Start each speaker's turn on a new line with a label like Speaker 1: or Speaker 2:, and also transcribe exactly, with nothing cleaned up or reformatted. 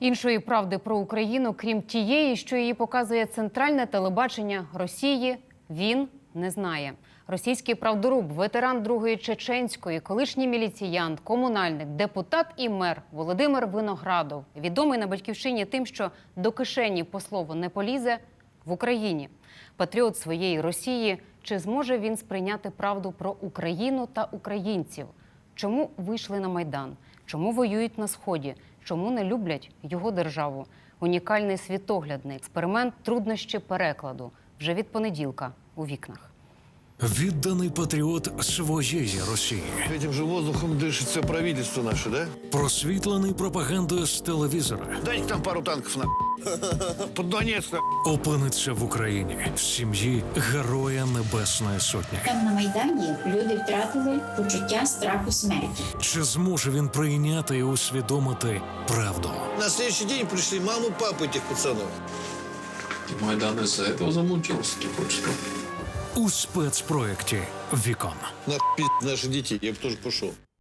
Speaker 1: Іншої правди про Україну, крім тієї, що її показує центральне телебачення Росії, він не знає. Російський правдоруб, ветеран Другої Чеченської, колишній міліціянт, комунальник, депутат і мер Володимир Виноградов, відомий на Батьківщині тим, що до кишені по слову не полізе, в Україні. Патріот своєї Росії. Чи зможе він сприйняти правду про Україну та українців? Чому вийшли на Майдан? Чому воюють на Сході? Чому не люблять його державу? Унікальний світоглядний експеримент «Труднощі перекладу» вже від понеділка у вікнах.
Speaker 2: Відданий патріот своєї Росії.
Speaker 3: Этим же воздухом дышит все правительство наше, да?
Speaker 2: Просвітлений пропагандою з телевізора.
Speaker 3: Дайте там пару танков на под Донецк на.
Speaker 2: Опиниться в Україні в сім'ї Героя Небесної Сотні.
Speaker 4: Там на Майдані люди втратили почуття страху смерті.
Speaker 2: Чи зможе він прийняти і усвідомити правду?
Speaker 3: На следующий день пришли маму, папу этих пацанов.
Speaker 5: Майдан из-за этого замучился, ты хочешь сказать?
Speaker 2: У спецпроєкті «Вікон».
Speaker 3: На пи*** наших детей, я бы тоже пошел.